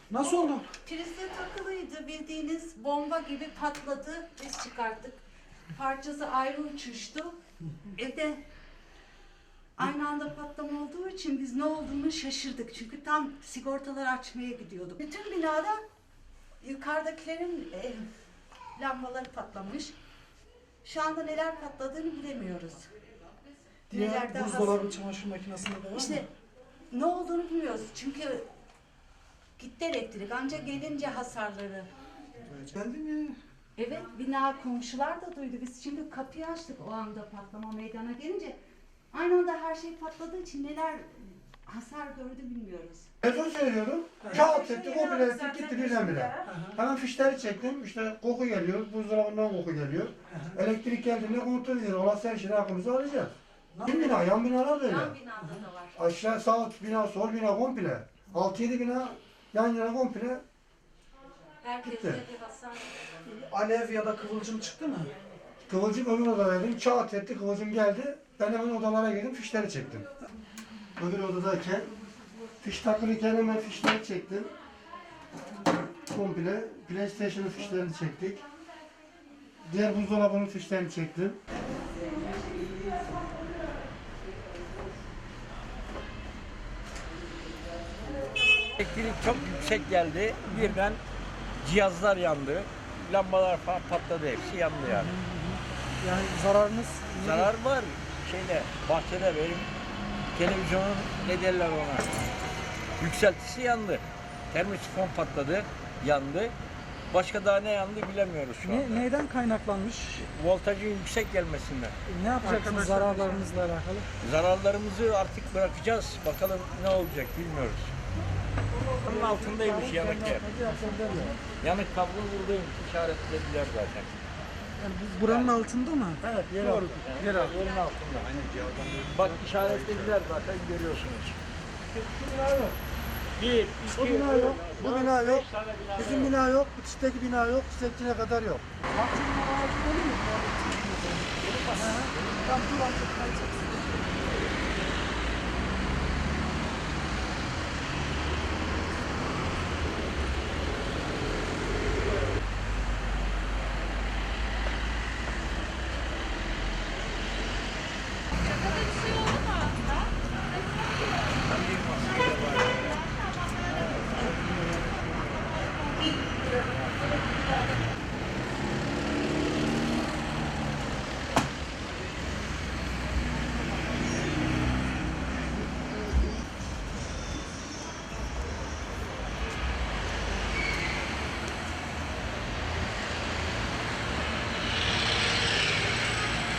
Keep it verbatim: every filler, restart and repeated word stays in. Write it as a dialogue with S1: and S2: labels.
S1: Nasıl oldu?
S2: Prize takılıydı, bildiğiniz bomba gibi patladı. Biz çıkarttık. Parçası ayrı uçuştu. Evde aynı anda patlama olduğu için biz ne olduğunu şaşırdık. Çünkü tam sigortaları açmaya gidiyorduk. Bütün binada yukarıdakilerin e, lambaları patlamış. Şu anda neler patladığını bilemiyoruz.
S1: Diğer
S2: Nelerde
S1: buzdolabı, çamaşır makinesinde de var mı?
S2: İşte ne olduğunu bilmiyoruz. Çünkü gitti elektrik. Ancak gelince hasarları.
S1: Geldi mi?
S2: Evet, bina komşular da duydu. Biz şimdi kapıyı açtık o anda patlama meydana gelince. Aynı anda her şey patladığı için neler hasar gördü bilmiyoruz.
S3: Telefon söylüyorum. Kağıt etti, komple etti, gitti birdenbire. Hemen fişleri çektim. İşte koku geliyor, buzdolabından koku geliyor. Elektrik geldiğinde kontrol ediyor. Olası her şeyi aklımıza alacağız. Yan bina, yan binalar da öyle.
S2: Yan binada da var.
S3: Aşağı sağ alt bina, sol bina komple. altı yedi bina yan yana komple.
S2: Herkeste bir hasar.
S1: Alev ya da kıvılcım çıktı mı?
S3: Kıvılcım öbür odadaydım. Kağıt etti, kıvılcım geldi. Ben hemen odalara girdim, fişleri çektim. Öbür odadayken fiş takılıyken hemen fişleri çektim. Komple PlayStation'ın fişlerini çektik. Diğer buzdolabının fişlerini çektim.
S4: Elektrik çok yüksek geldi. Birden cihazlar yandı. Lambalar falan patladı, hepsi yandı yani.
S1: Yani zararınız
S4: Zarar var. Şeyde, bahçede benim televizyonun, ne derler ona, yükseltisi yandı. Termosifon patladı, yandı. Başka daha ne yandı bilemiyoruz şu anda.
S1: ne, neyden kaynaklanmış?
S4: Voltajın yüksek gelmesinden.
S1: Ne yapacaksınız zararlarınızla alakalı?
S4: Zararlarımızı artık bırakacağız. Bakalım ne olacak bilmiyoruz. Bunun altındaymış yanık yer. Yanık kablo buradaymış. İşaretlediler zaten.
S1: Yani bu buranın altında mı?
S4: Evet, yer altında. Yer altında. Yerin altında. Bak işaretlediler zaten, görüyorsunuz.
S3: Şu bina yok.
S4: Bir, iki,
S3: Bu bina yok. Bu
S4: dört,
S3: bina yok.
S4: beş tane bina
S3: Bizim
S4: var.
S3: bina yok. Bitişteki bina yok. Sekçine kadar yok.
S1: Tam dur artık.